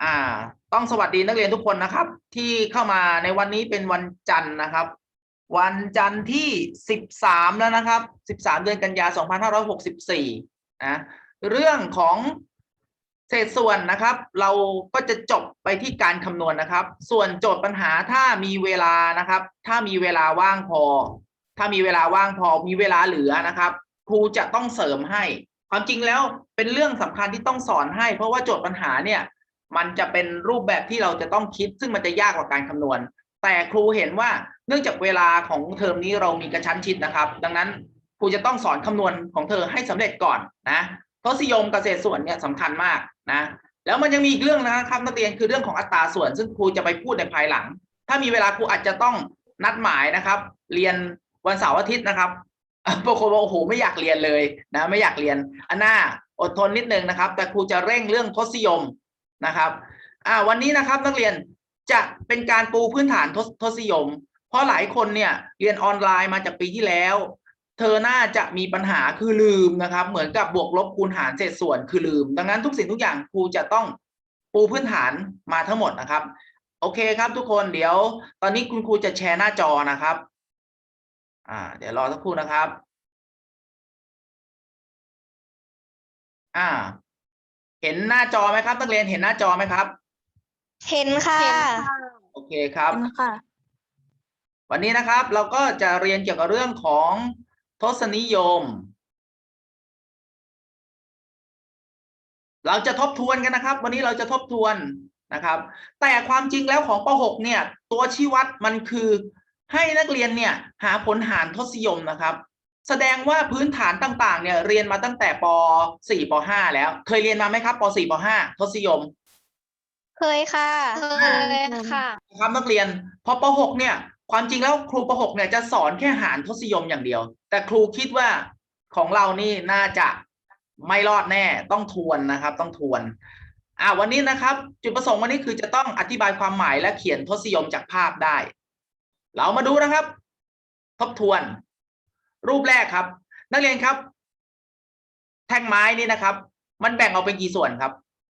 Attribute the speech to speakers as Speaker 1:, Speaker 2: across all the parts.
Speaker 1: อ่าต้องสวัสดีนักเรียนทุกคนนะครับที่เข้ามาในวันนี้เป็นวันจันทร์นะครับวันจันทร์ที่13แล้วนะครับ13เดือนกันยา2564นะเรื่องของเศษส่วนนะครับเราก็จะจบไปที่การคำนวณนะครับส่วนโจทย์ปัญหาถ้ามีเวลานะครับถ้ามีเวลาว่างพอมีเวลาเหลือนะครับครูจะต้องเสริมให้ความจริงแล้วเป็นเรื่องสำคัญที่ต้องสอนให้เพราะว่าโจทย์ปัญหาเนี่ยมันจะเป็นรูปแบบที่เราจะต้องคิดซึ่งมันจะยากกว่าการคำนวณแต่ครูเห็นว่าเนื่องจากเวลาของเทอมนี้เรามีกระชั้นชิดนะครับดังนั้นครูจะต้องสอนคำนวณของเธอให้สำเร็จก่อนนะทศนิยมกับเศษส่วนเนี่ยสำคัญมากนะแล้วมันยังมีอีกเรื่องนะครับนักเรียนคือเรื่องของอัตราส่วนซึ่งครูจะไปพูดในภายหลังถ้ามีเวลาครูอาจจะต้องนัดหมายนะครับเรียนวันเสาร์อาทิตย์นะครับบางคนบอกโอ้โหไม่อยากเรียนเลยนะไม่อยากเรียนอันหน้าอดทนนิดนึงนะครับแต่ครูจะเร่งเรื่องทศนิยมนะครับวันนี้นะครับนักเรียนจะเป็นการปูพื้นฐานทศนิยมเพราะหลายคนเนี่ยเรียนออนไลน์มาจากปีที่แล้วเธอน่าจะมีปัญหาคือลืมนะครับเหมือนกับบวกลบคูณหารเศษส่วนคือลืมดังนั้นทุกสิ่งทุกอย่างครูจะต้องปูพื้นฐานมาทั้งหมดนะครับโอเคครับทุกคนเดี๋ยวตอนนี้คุณครูจะแชร์หน้าจอนะครับเดี๋ยวรอสักครู่นะครับเห็นหน้าจอไหมครับนักเรียนเห็นหน้าจอไหมครับ
Speaker 2: เห็นค่ะ
Speaker 1: โอเคครับวันนี้นะครับเราก็จะเรียนเกี่ยวกับเรื่องของทศนิยมเราจะทบทวนกันนะครับวันนี้เราจะทบทวนนะครับแต่ความจริงแล้วของป .6 เนี่ยตัวชี้วัดมันคือให้นักเรียนเนี่ยหาผลหารทศนิยมนะครับแสดงว่าพื้นฐานต่างๆเนี่ยเรียนมาตั้งแต่ป .4 ป .5 แล้วเคยเรียนมาไหมครับป .4 ป .5 ทศนิยม
Speaker 2: เคยค่ะ
Speaker 1: ครับนักเรียนพอป .6 เนี่ยความจริงแล้วครูป .6 เนี่ยจะสอนแค่หารทศนิยมอย่างเดียวแต่ครูคิดว่าของเรานี่น่าจะไม่รอดแน่ต้องทวนนะครับต้องทวนวันนี้นะครับจุดประสงค์วันนี้คือจะต้องอธิบายความหมายและเขียนทศนิยมจากภาพได้เรามาดูนะครับทบทวนรูปแรกครับนักเรียนครับแท่งไม้นี่นะครับมันแบ่งออกเป็นกี่ส่วนครับ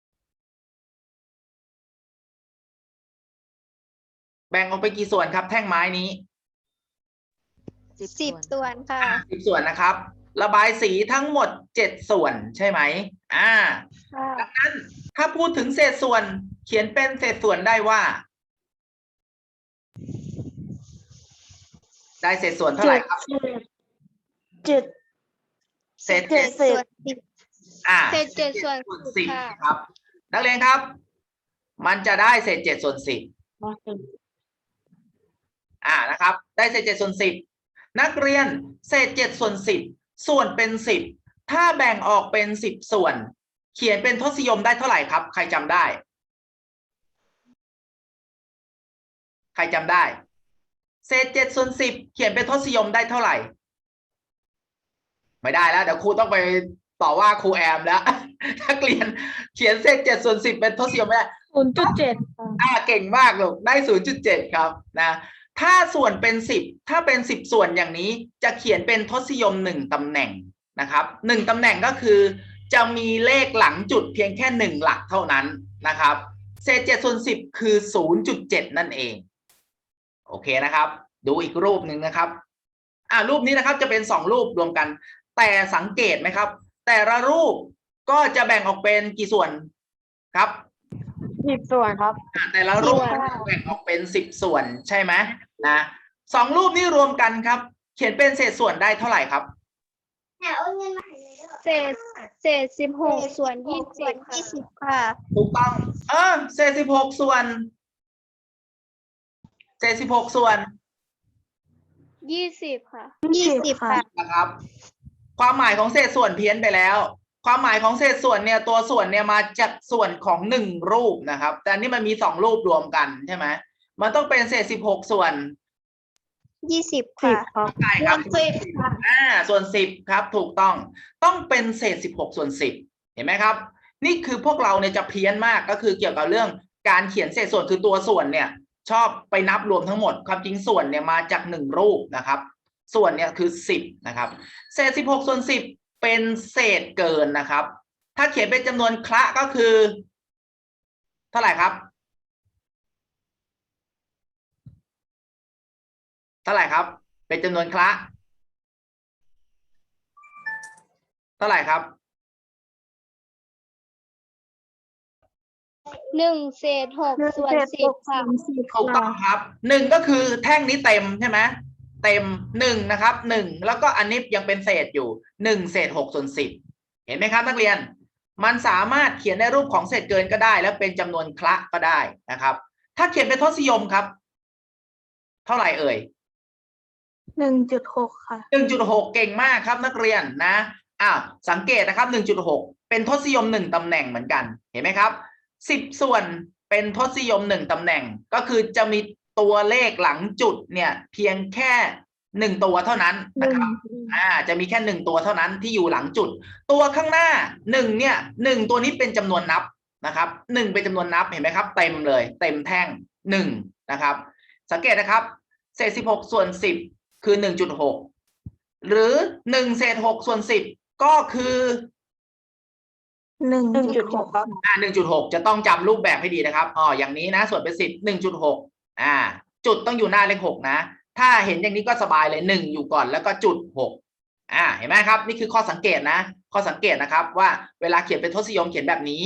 Speaker 1: แบ่งออกเป็นกี่ส่วนครับแท่งไม้นี้
Speaker 2: 10 ส่วนค่ะ
Speaker 1: 10 ส่วนนะครับระบายสีทั้งหมด7 ส่วนใช่ไหมดังนั้นถ้าพูดถึงเศษส่วนเขียนเป็นเศษส่วนได้ว่าได้เศษส่วนเท่าไหร่ครับเศษ7
Speaker 2: ส่วน
Speaker 1: เศษ7 ส่วน 10ครับนักเรียนครับมันจะได้เศษ7 ส่วน 10นะครับได้เศษ7 ส่วน 10นักเรียนเศษ7 ส่วน 10ส่วนเป็น10ถ้าแบ่งออกเป็น10 ส่วนเขียนเป็นทศนิยมได้เท่าไหร่ครับใครจำได้เศษ7 ส่วน 10เขียนเป็นทศนิยมได้เท่าไหร่ไม่ได้แล้วเดี๋ยวครูต้องไปต่อว่าครูแอมแล้วนักเรียนเขียนเศษ7 ส่วน 10เป็นทศนิยมไม่ได้ 0.7เก่งมากลูกได้ 0.7 ครับนะถ้าส่วนเป็น10ถ้าเป็น10 ส่วนอย่างนี้จะเขียนเป็นทศนิยม1 ตำแหน่งนะครับ1 ตำแหน่งก็คือจะมีเลขหลังจุดเพียงแค่1 หลักเท่านั้นนะครับเศษ7 ส่วน 10คือ 0.7 นั่นเองโอเคนะครับดูอีกรูปหนึ่งนะครับรูปนี้นะครับจะเป็น2 รูปรวมกันแต่สังเกตไหมครับแต่ละรูปก็จะแบ่งออกเป็นกี่ส่วนครับ
Speaker 2: 10 ส่วนครับ
Speaker 1: แต่ละรูปแบ่งออกเป็น10 ส่วนใช่ไหมนะ2 รูปนี้รวมกันครับเขียนเป็นเศษส่วนได้เท่าไหร่ครับ
Speaker 2: เศษ16 ส่วน 20ค่ะ
Speaker 1: ถูกต้องเศษ16 ส่วน
Speaker 2: 20ค่ะ20ค่ะ
Speaker 1: นะครับความหมายของเศษส่วนเพี้ยนไปแล้วความหมายของเศษส่วนเนี่ยตัวส่วนเนี่ยมาจากส่วนของ1 รูปนะครับแต่อันนี้มันมี2 รูปรวมกันใช่ไหมมันต้องเป็นเศษ16 ส่วน
Speaker 2: 20ค่ะ
Speaker 1: ใช่ครับส่วน10ครับถูกต้องเป็นเศษ16 ส่วน 10เห็นไหมครับนี่คือพวกเราเนี่ยจะเพี้ยนมากก็คือเกี่ยวกับเรื่องการเขียนเศษส่วนคือตัวส่วนเนี่ยชอบไปนับรวมทั้งหมดความจริงส่วนเนี่ยมาจาก1 รูปนะครับส่วนเนี่ยคือ10นะครับเศษ16 ส่วน 10เป็นเศษเกินนะครับถ้าเขียนเป็นจำนวนคละก็คือเท่าไหร่ครับเท่าไหร่ครับเป็นจำนวนคละเท่าไหร่ครับ
Speaker 2: 1/6 ค่ะ
Speaker 1: ถูกต้องครับหนึ่งก็คือแท่งนี้เต็มใช่ไหมเต็มหนึ่งนะครับหนึ่งแล้วก็อันนี้ยังเป็นเศษอยู่1/6/10เห็นไหมครับนักเรียนมันสามารถเขียนในรูปของเศษเกินก็ได้แล้วเป็นจำนวนคละก็ได้นะครับถ้าเขียนเป็นทศนิยมครับเท่าไหร่เอ่ย
Speaker 2: 1.6 ค่ะ
Speaker 1: 1.6 เก่งมากครับนักเรียนนะสังเกตนะครับ 1.6 เป็นทศนิยม1ตำแหน่งเหมือนกันเห็นไหมครับ10ส่วนเป็นทศนิยม1ตำแหน่งก็คือจะมีตัวเลขหลังจุดเนี่ยเพียงแค่1ตัวเท่านั้นนะครับจะมีแค่1ตัวเท่านั้นที่อยู่หลังจุดตัวข้างหน้า1เนี่ย1ตัวนี้เป็นจำนวนนับนะครับ1เป็นจำนวนนับเห็นไหมครับเต็มเลยเต็มแท่ง1นะครับสังเกตนะครับเศษ16ส่วน10คือ 1.6 หรือ1/6/10ก็คือ
Speaker 2: 1.6 ครับ
Speaker 1: 1.6 จะต้องจำรูปแบบให้ดีนะครับอย่างนี้นะส่วนเป็น10 1.6จุดต้องอยู่หน้าเลข6นะถ้าเห็นอย่างนี้ก็สบายเลย1อยู่ก่อนแล้วก็จุด6เห็นไหมครับนี่คือข้อสังเกตนะข้อสังเกตนะครับว่าเวลาเขียนเป็นทศนิยมเขียนแบบนี้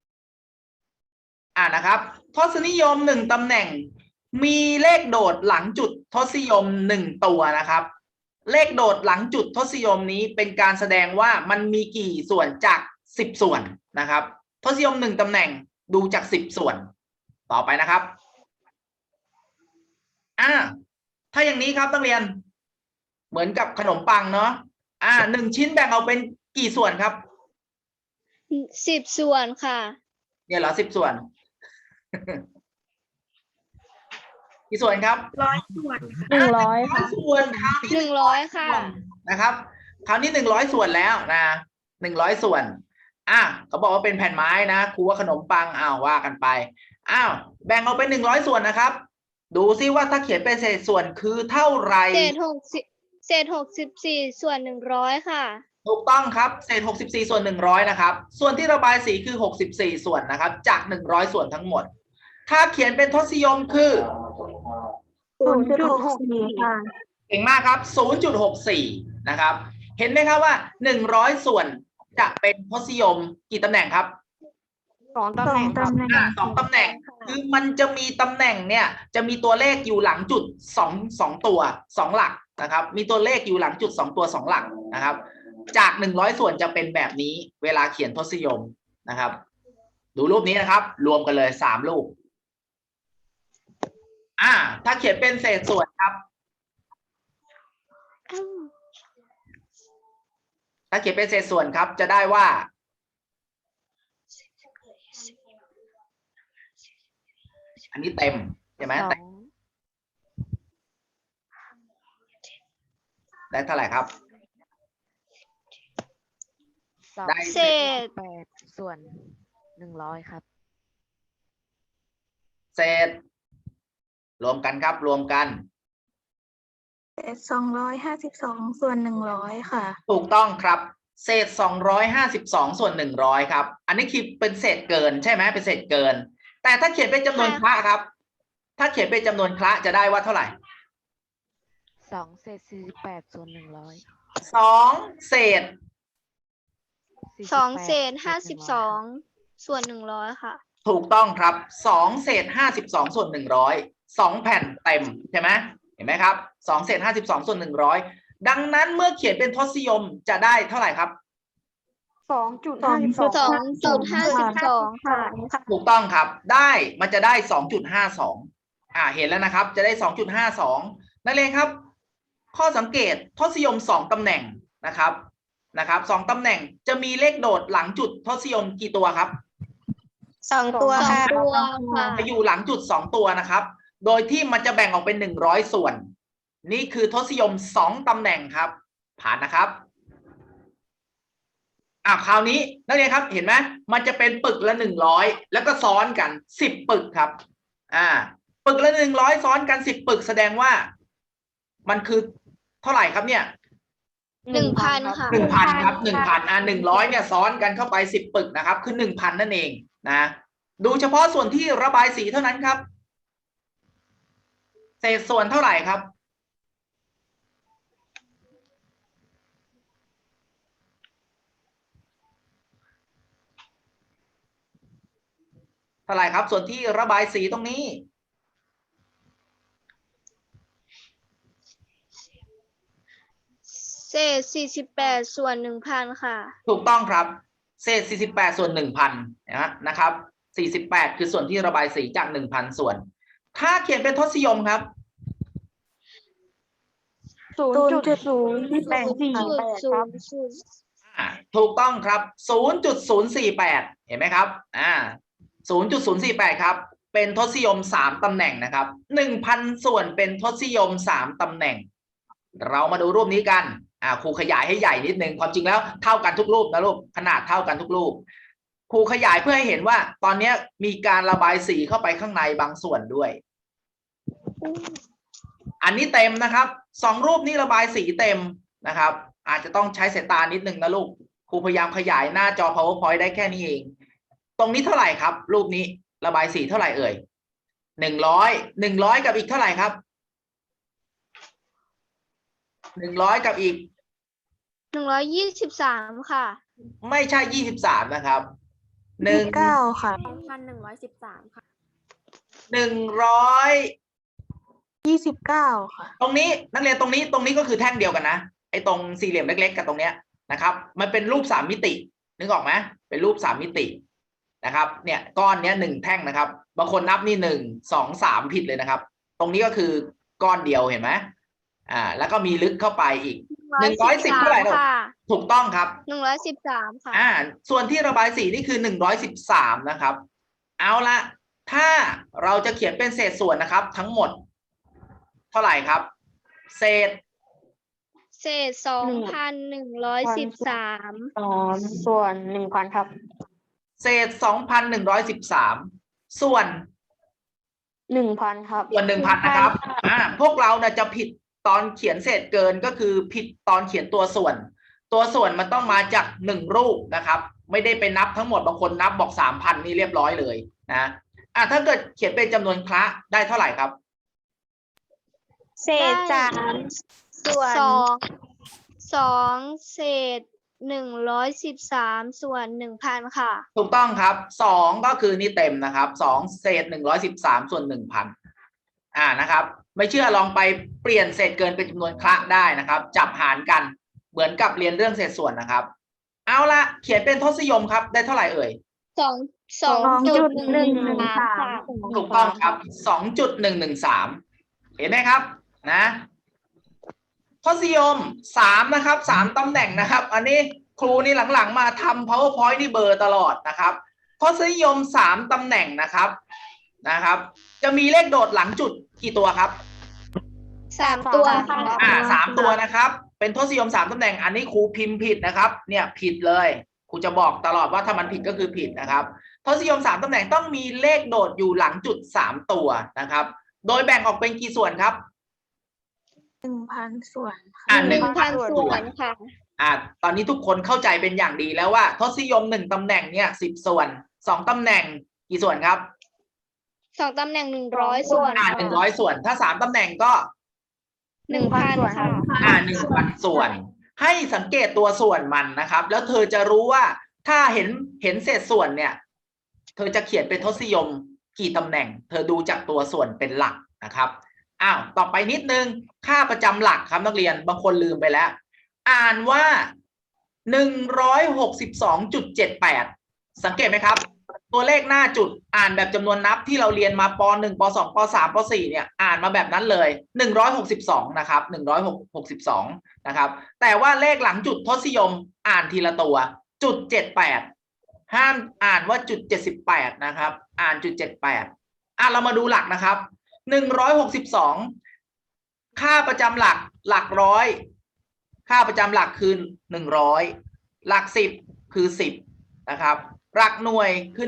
Speaker 1: นะครับทศนิยม1ตำแหน่งมีเลขโดดหลังจุดทศนิยม1ตัวนะครับเลขโดดหลังจุดทศนิยมนี้เป็นการแสดงว่ามันมีกี่ส่วนจาก10ส่วนนะครับทศนิยม1ตำแหน่งดูจาก10ส่วนต่อไปนะครับถ้าอย่างนี้ครับนักเรียนเหมือนกับขนมปังเนาะ1ชิ้นแบ่งเอาเป็นกี่ส่วนครับ
Speaker 2: 10 ส่วนค่ะ
Speaker 1: เนี่ยเหรอ10ส่วน กี่ส่วนครับ
Speaker 2: 100 ส่วน
Speaker 1: 100ส่วนคราวนี้
Speaker 2: 100 ค่ะ
Speaker 1: นะครับคราวนี้100ส่วนแล้วนะ100ส่วนเขาบอกว่าเป็นแผ่นไม้นะครูว่าขนมปังว่ากันไปแบ่งเอาเป็น100ส่วนนะครับดูซิว่าถ้าเขียนเป็นเศษส่วนคือเท่าไหร่
Speaker 2: เศษ64ส่วน100ค่ะ
Speaker 1: ถูกต้องครับเศษ64ส่วน100นะครับส่วนที่ระบายสีคือ64ส่วนนะครับจาก100ส่วนทั้งหมดถ้าเขียนเป็นทศนิยมคือ
Speaker 2: 0.64 ค่ะ
Speaker 1: เก่งมากครับ 0.64 นะครับ เห็นไหมครับว่า100ส่วนจะเป็นทศนิยมกี่ตำแหน่งครับ
Speaker 2: 2 ตำแหน่งครับ
Speaker 1: 2 ตำแหน่งคือมันจะมีตำแหน่งเนี่ยจะมีตัวเลขอยู่หลังจุด2ตัว2หลักนะครับมีตัวเลขอยู่หลังจุด2ตัว2หลักนะครับจาก100ส่วนจะเป็นแบบนี้เวลาเขียนทศนิยมนะครับดูรูปนี้นะครับรวมกันเลย3รูปถ้าเขียนเป็นเศษส่วนครับถ้าเขียนเป็นเศษส่วนครับจะได้ว่าอันนี้เต็มใช่ไหมได้เท่าไหร่ครับ
Speaker 3: ได้เศษ8ส่วน100ครับ
Speaker 1: เศษรวมกันครับรวมกัน
Speaker 2: เศษ252ส่วน100ค่ะ
Speaker 1: ถูกต้องครับเศษ252ส่วน100ครับอันนี้คือเป็นเศษเกินใช่ไหมเป็นเศษเกินแต่ถ้าเขียนเป็นจำนวนคละครับถ้าเขียนเป็นจำนวนคละจะได้ว่าเท่าไหร่
Speaker 3: 2เศษ48ส่วน100
Speaker 1: 2เศษ
Speaker 2: 2เศษ52ส่วน100ค่ะ
Speaker 1: ถูกต้องครับ2เศษ52ส่วน100 2แผ่นเต็มใช่ไหมเห็นไหมครับ2เศษ52ส่วน100ดังนั้นเมื่อเขียนเป็นทศนิยมจะได้เท่าไหร่ครับ
Speaker 2: 2.52 ค่ะ
Speaker 1: ถูกต้องครับได้มันจะได้2.52เห็นแล้วนะครับจะได้2.52นั่นเองครับข้อสังเกตทศนิยม2ตำแหน่งนะครับ2ตำแหน่งจะมีเลขโดดหลังจุดทศนิยมกี่ตัวครับ
Speaker 2: 2 ตัวค่ะ
Speaker 1: จะอยู่หลังจุด2ตัวนะครับโดยที่มันจะแบ่งออกเป็น100ส่วนนี่คือทศนิยม2ตำแหน่งครับผ่านนะครับคราวนี้นักเรียนครับเห็นไหมมันจะเป็นปึกละ100แล้วก็ซ้อนกัน10ปึกครับปึกละ100ซ้อนกัน10ปึกแสดงว่ามันคือเท่าไหร่ครับเนี่ย
Speaker 2: 1,000 ค่ะ
Speaker 1: 1,000 ครับ 1,000 100เนี่ยซ้อนกันเข้าไป10ปึกนะครับคือ 1,000 นั่นเองนะดูเฉพาะส่วนที่ระบายสีเท่านั้นครับ เศษส่วนเท่าไหร่ครับ เท่าไหร่ครับ ส่วนที่ระบายสีตรงนี้
Speaker 4: เศษ48 ส่วน 1,000 ค่ะ
Speaker 1: ถูกต้องครับ เศษ48ส่วน 1,000นะครับ48คือส่วนที่ระบายสีจาก 1,000 ส่วน ถ้าเขียนเป็นทศนิยมครับ
Speaker 2: 0.084 ครับ
Speaker 1: ถูกต้องครับ 0.048 เห็นไหมครับ 0.048 ครับ เป็นทศนิยม 3 ตำแหน่งนะครับ 1,000 ส่วนเป็นทศนิยม 3 ตำแหน่ง เรามาดูรูปนี้กันครูขยายให้ใหญ่นิดนึง ความจริงแล้วเท่ากันทุกรูปนะลูก ขนาดเท่ากันทุกรูป ครูขยายเพื่อให้เห็นว่า ตอนนี้มีการระบายสีเข้าไปข้างในบางส่วนด้วย อันนี้เต็มนะครับ2 รูปนี้ระบายสีเต็มนะครับ อาจจะต้องใช้สายตานิดนึงนะลูก ครูพยายามขยายหน้าจอ PowerPoint ได้แค่นี้เอง ตรงนี้เท่าไหร่ครับ รูปนี้ระบายสีเท่าไหร่เอ่ย100กับอีกเท่าไหร่ครับ100กับอีก
Speaker 4: 123 ค่ะ
Speaker 1: ไม่ใช่23นะครับ
Speaker 2: 9 ค่ะ
Speaker 4: 1,113 ค่ะ
Speaker 1: 100
Speaker 2: 29 ค่ะ
Speaker 1: ตรงนี้นักเรียนตรงนี้ก็คือแท่งเดียวกันนะไอ้ตรงสี่เหลี่ยมเล็กๆกับตรงเนี้ยนะครับ มันเป็นรูป3 มิตินึกออกไหมเป็นรูป3 มิตินะครับเนี่ยก้อนเนี้ย1 แท่งนะครับบางคนนับนี่1 2 3ผิดเลยนะครับ ตรงนี้ก็คือก้อนเดียวเห็นไหมแล้วก็มีลึกเข้าไปอีก110เท่าไหร่ลูกถูกต้องครับ
Speaker 4: 113 ค่ะ
Speaker 1: ส่วนที่ระบายสีนี่คือ113นะครับ เอาละถ้าเราจะเขียนเป็นเศษส่วนนะครับ ทั้งหมดเท่าไหร่ครับ เศษ
Speaker 4: 2,113
Speaker 2: ส่วน 1,000 ครับ
Speaker 1: เศษ 2,113 ส่วน
Speaker 2: 1,000 ครับ
Speaker 1: ส่วน 1,000 นะครับพวกเรานะจะผิดตอนเขียนเศษเกินก็คือผิดตอนเขียนตัวส่วน ตัวส่วนมันต้องมาจาก1 รูปนะครับ ไม่ได้ไปนับทั้งหมดบางคนนับบอก 3,000 นี่เรียบร้อยเลยนะถ้าเกิดเขียนเป็นจำนวนคละได้เท่าไหร่ครับ
Speaker 2: เศษ3 ส่วน
Speaker 4: 2 เศษ 113 ส่วน 1,000 ค่ะ
Speaker 1: ถูกต้องครับ2ก็คือนี่เต็มนะครับ2เศษ113ส่วน 1,000นะครับ ไม่เชื่อลองไปเปลี่ยนเศษเกินเป็นจำนวนคละได้นะครับ จับหารกันเหมือนกับเรียนเรื่องเศษส่วนนะครับ เอาละเขียนเป็นทศนิยมครับได้เท่าไหร่เอ่ย
Speaker 4: 2.113
Speaker 1: ถูกต้องครับ 2.113 เห็นไหมครับนะทศนิยม3นะครับ3 ตำแหน่งนะครับ อันนี้ครูนี่หลังๆมาทำ PowerPoint นี่เบอร์ตลอดนะครับทศนิยม3 ตำแหน่งนะครับจะมีเลขโดดหลังจุดกี่ตัวครับ
Speaker 4: 3 ตัวค่ะ
Speaker 1: 3 ตัวนะครับ เป็นทศนิยม3 ตำแหน่งอันนี้ครูพิมพ์ผิดนะครับเนี่ยผิดเลยครูจะบอกตลอดว่าถ้ามันผิดก็คือผิดนะครับทศนิยม3 ตำแหน่งต้องมีเลขโดดอยู่หลังจุด3 ตัวนะครับโดยแบ่งออกเป็นกี่ส่วนครับ
Speaker 2: 1,000 ส่วน
Speaker 4: 1,000 ส่วนค่ะ
Speaker 1: ตอนนี้ทุกคนเข้าใจเป็นอย่างดีแล้วว่าทศนิยม1 ตำแหน่งเนี่ย10 ส่วน2 ตำแหน่งกี่ส่วนครับ
Speaker 4: 2 ตำแหน่ง 100 ส่วน
Speaker 1: 100 ส่วนถ้า3 ตำแหน่งก็
Speaker 4: 1,000 ค่ะ
Speaker 1: 1,000 ส่วนให้สังเกตตัวส่วนมันนะครับแล้วเธอจะรู้ว่าถ้าเห็นเศษส่วนเนี่ยเธอจะเขียนเป็นทศนิยมกี่ตำแหน่งเธอดูจากตัวส่วนเป็นหลักนะครับต่อไปนิดนึงค่าประจำหลักครับนักเรียนบางคนลืมไปแล้วอ่านว่า 162.78 สังเกตไหมครับตัวเลขหน้าจุดอ่านแบบจำนวนนับที่เราเรียนมาป .1 ป .2 ป .3 ป .4 เนี่ยอ่านมาแบบนั้นเลย162นะครับ162นะครับแต่ว่าเลขหลังจุดทศนิยมอ่านทีละตัวจุด78ห้ามอ่านว่าจุด78นะครับอ่านจุด78เรามาดูหลักนะครับ162ค่าประจำหลักร้อยค่าประจำหลักคือ100หลัก10คือ10นะครับหลักหน่วยคือ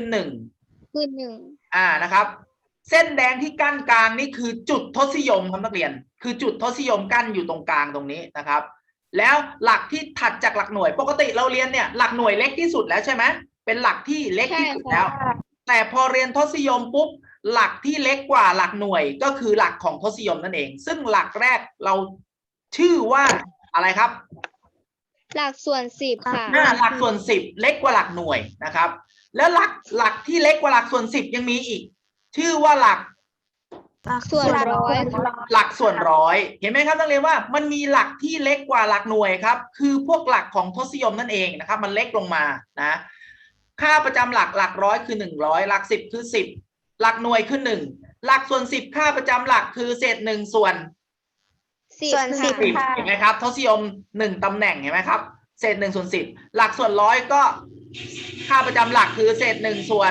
Speaker 1: 1นะครับเส้นแดงที่กั้นกลางนี่คือจุดทศนิยมครับนักเรียนคือจุดทศนิยมกั้นอยู่ตรงกลางตรงนี้นะครับแล้วหลักที่ถัดจากหลักหน่วยปกติเราเรียนเนี่ยหลักหน่วยเล็กที่สุดแล้วใช่ไหมเป็นหลักที่เล็กที่สุดแล้วแต่พอเรียนทศนิยมปุ๊บหลักที่เล็กกว่าหลักหน่วยก็คือหลักของทศนิยมนั่นเองซึ่งหลักแรกเราชื่อว่าอะไรครับ
Speaker 4: หลักส่วนสิบค่ะ
Speaker 1: หลักส่วน10เล็กกว่าหลักหน่วยนะครับแล้วหลักที่เล็กกว่าหลักส่วน10ยังมีอีกชื่อว่าหลัก
Speaker 4: ส่วนร้อย
Speaker 1: หลักส่วนร้อยเห็นไหมครับนักเรียนว่ามันมีหลักที่เล็กกว่าหลักหน่วยครับคือพวกหลักของทศนิยมนั่นเองนะครับมันเล็กลงมานะค่าประจำหลักร้อยคือ100หลัก10คือ10หลักหน่วยคือ1หลักส่วน10ค่าประจำหลักคือเศษ1ส่วน
Speaker 4: ส่วนสิบ
Speaker 1: 10เห็นไหมครับทศนิยม1ตำแหน่งเห็นไหมครับเศษ1ส่วน10หลักส่วนร้อยก็ค่าประจำหลักคือเศษ1ส่วน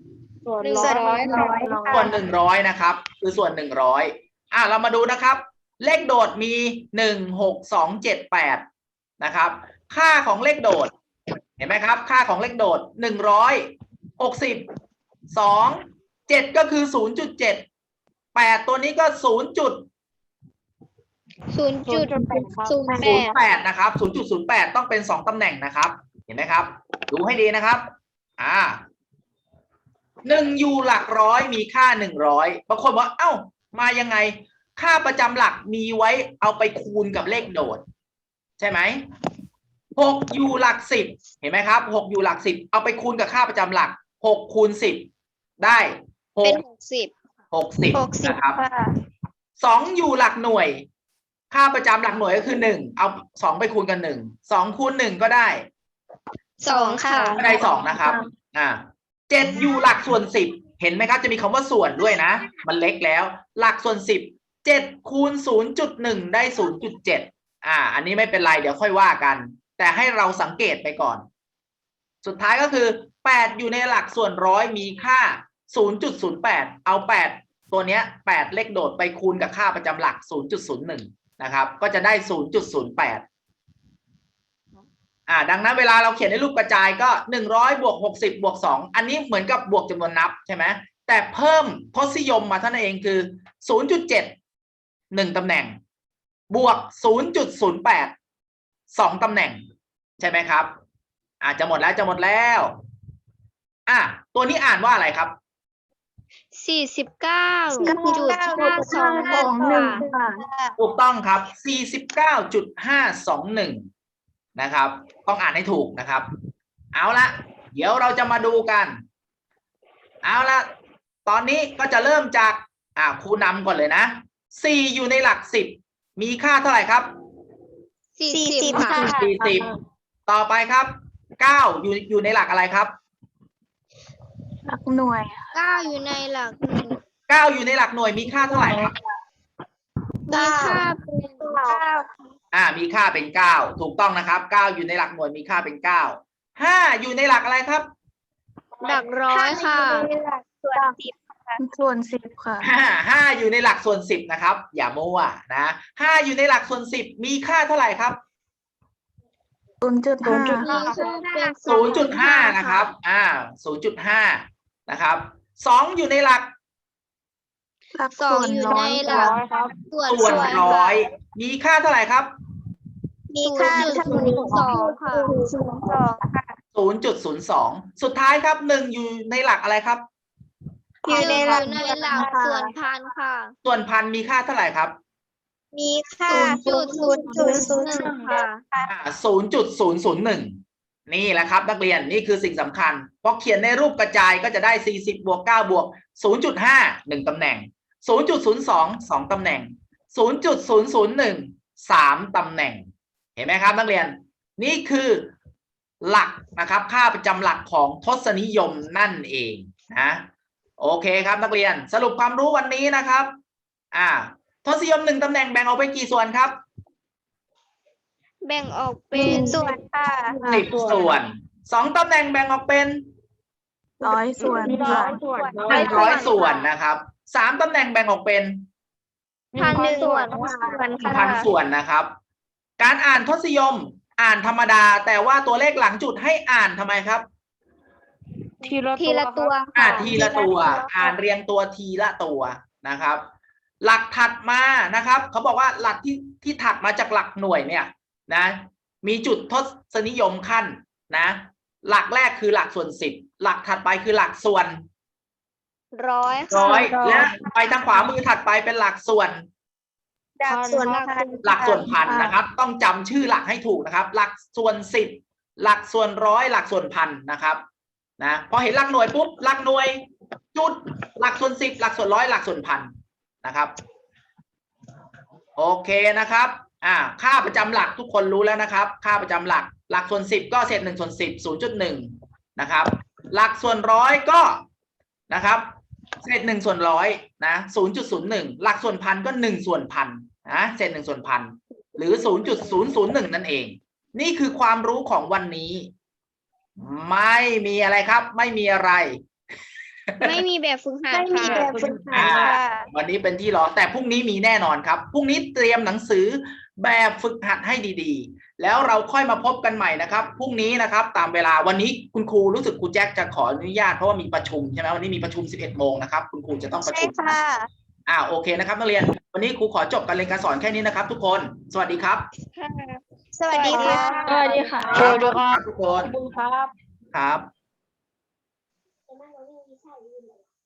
Speaker 1: ส่วน100นะครับคือส่วน100เรามาดูนะครับเลขโดดมี1 6 2 7 8นะครับค่าของเลขโดดเห็นไหมครับค่าของเลขโดด160 2 7ก็คือ 0.7 8ตัวนี้ก็0.08นะครับ 0.08 ต้องเป็น2ตำแหน่งนะครับเห็นไหมครับดูให้ดีนะครับ1อยู่หลักร้อยมีค่า100บางคนบอกเอ้ามายังไงค่าประจำหลักมีไว้เอาไปคูณกับเลขโดดใช่ไหม6อยู่หลัก10เห็นไหมครับ6อยู่หลัก10เอาไปคูณกับค่าประจำหลัก6คูณ10ได้
Speaker 4: เป็น
Speaker 1: 60
Speaker 4: 60
Speaker 1: นะครับ2อยู่หลักหน่วยค่าประจำหลักหน่วยก็คือ1เอา2ไปคูณกัน1 2คูณ1ก็ได้
Speaker 4: 2ค่ะ
Speaker 1: ก็ได้2นะครับ7อยู่หลักส่วน10เห็นไหมครับจะมีคำว่าส่วนด้วยนะมันเล็กแล้วหลักส่วน10 7คูณ 0.1 ได้ 0.7อันนี้ไม่เป็นไรเดี๋ยวค่อยว่ากันแต่ให้เราสังเกตไปก่อนสุดท้ายก็คือ8อยู่ในหลักส่วนร้อยมีค่า 0.08 เอา8ตัวเนี้ย8เลขโดดไปคูณกับค่าประจำหลัก 0.01 นะครับก็จะได้ 0.08ดังนั้นเวลาเราเขียนในรูปกระจายก็100บวก60บวก2อันนี้เหมือนกับบวกจำนวนนับใช่ไหมแต่เพิ่มทศนิยมมาเท่านั้นเองคือ 0.7 1ตำแหน่งบวก 0.08 2ตำแหน่งใช่ไหมครับจะหมดแล้วตัวนี้อ่านว่าอะไรครับ
Speaker 4: 49.521 ค่ะ
Speaker 1: ถูกต้องครับ 49.521 นะครับต้องอ่านให้ถูกนะครับเอาละเดี๋ยวเราจะมาดูกันเอาละตอนนี้ก็จะเริ่มจากครูนำก่อนเลยนะ4อยู่ในหลัก10มีค่าเท่าไหร่ครับ
Speaker 4: 40 ค่ะ
Speaker 1: 40ต่อไปครับ9อยู่ในหลักอะไรครับ
Speaker 2: หลักหน่วย
Speaker 4: 9อยู่ในหลัก
Speaker 1: 9อยู่ในหลักหน่วยมีค่าเท่าไหร่ครับ
Speaker 4: มีค่าเป็น
Speaker 1: มีค่าเป็น9ถูกต้องนะครับ9อยู่ในหลักหน่วยมีค่าเป็น9 5อยู่ในหลักอะไรครับ
Speaker 4: หลักร้อยค่ะ
Speaker 2: ส่วน10ค่ะ
Speaker 1: 5อยู่ในหลักส่วน10นะครับอย่ามั่วนะ5อยู่ในหลักส่วน10มีค่าเท่าไหร่ครับ 0.5 นะครับ0.5 นะครับ2อยู่ในหลัก
Speaker 4: 2อยู่ในหลัก
Speaker 1: ส่วน
Speaker 4: ส่วนร้
Speaker 1: ร้
Speaker 4: อ
Speaker 1: อย ยมีค่าเท่าไหร่ครับ
Speaker 4: มีค่า0.02 ค่ะ
Speaker 1: 0.02 สุดท้ายครับ1อยู่ในหลักอะไรครับ
Speaker 4: อยู่ในหลักส่วนพันค่ะ
Speaker 1: ส่วนพันมีค่าเท่าไหร่ครับ
Speaker 4: มีค่า 0.001 ค่ะ
Speaker 1: 0.001 นี่แหละครับนักเรียนนี่คือสิ่งสำคัญพอเขียนในรูปกระจายก็จะได้40บวก9บวก 0.5 1ตำแหน่ง 0.02 2ตำแหน่ง 0.001 3ตำแหน่งเห็นไหมครับนักเรียนนี่คือหลักนะครับค่าประจำหลักของทศนิยมนั่นเองนะโอเคครับนักเรียนสรุปความรู้วันนี้นะครับทศนิยม1ตำแหน่งแบ่งออกเป็นกี่ส่วนครับ
Speaker 4: แบ่งออกเป็นส่วนค่ะ
Speaker 1: 10 ส่วน2ตำแหน่งแบ่งออกเป็น
Speaker 2: 100 ส่วน
Speaker 1: 100 ส่วนนะครับ3ตำแหน่งแบ่งออกเป็น
Speaker 4: 1,000 ส่วน
Speaker 1: 1,000 ส่วนนะครับการอ่านทศนิยมอ่านธรรมดาแต่ว่าตัวเลขหลังจุดให้อ่านทำไมครับ
Speaker 4: ทีละตัว
Speaker 1: ทีละตัวอ่านเรียงตัวทีละตัวนะครับ หลักถัดมานะครับเขาบอกว่าหลักที่ถัดมาจากหลักหน่วยเนี่ยนะมีจุดทศนิยมขั้นนะหลักแรกคือหลักส่วน10หลักถัดไปคือหลักส่วน
Speaker 4: ร้อย
Speaker 1: ร้อยและไปทางขวามือถัดไปเป็นหลักส่วน
Speaker 2: ดับส่วนพัน
Speaker 1: หลักส่วนพันนะครับ ต้องจำชื่อหลักให้ถูกนะครับ หลักส่วนสิบหลักส่วนร้อยหลักส่วนพันนะครับนะพอเห็นหลักหน่วยปุ๊บหลักหน่วยจุดหลักส่วนสิบหลักส่วนร้อยหลักส่วนพันนะครับโอเคนะครับค่าประจำหลักทุกคนรู้แล้วนะครับ ค่าประจำหลักหลักส่วนสิบก็เศษ1 ส่วน 10 0.1นะครับหลักส่วนร้อยก็นะครับเศษ1 ส่วนร้อยนะ 0.01 หลักส่วนพันก็1 ส่วนพันนะเศษ1 ส่วนพันหรือ 0.001 นั่นเองนี่คือความรู้ของวันนี้ไม่มีอะไรครับไม่มีอะไร
Speaker 4: ไม่มีแบบฝึกหัด
Speaker 2: ไม่มี
Speaker 4: ค่ะ
Speaker 2: แบบฝึกหัดค่ะ
Speaker 1: วันนี้เป็นที่รอแต่พรุ่งนี้มีแน่นอนครับพรุ่งนี้เตรียมหนังสือแบบฝึกหัดให้ดีๆแล้วเราค่อยมาพบกันใหม่นะครับพรุ่งนี้นะครับตามเวลาวันนี้คุณครูรู้สึกครูแจ็คจะขออนุญาตเพราะว่ามีประชุมใช่ไหมวันนี้มีประชุม 11 โมงนะครับคุณครูจะต้องประ
Speaker 2: ใช่
Speaker 1: ชุม
Speaker 2: ค่ะ
Speaker 1: โอเคนะครับนักเรียนวันนี้ครูขอจบการเรียนการสอนแค่นี้นะครับทุกคนสวัสดีครับ
Speaker 2: สวัสดีค่ะ
Speaker 3: สวัสดีค่ะ
Speaker 1: ทุกคนครับ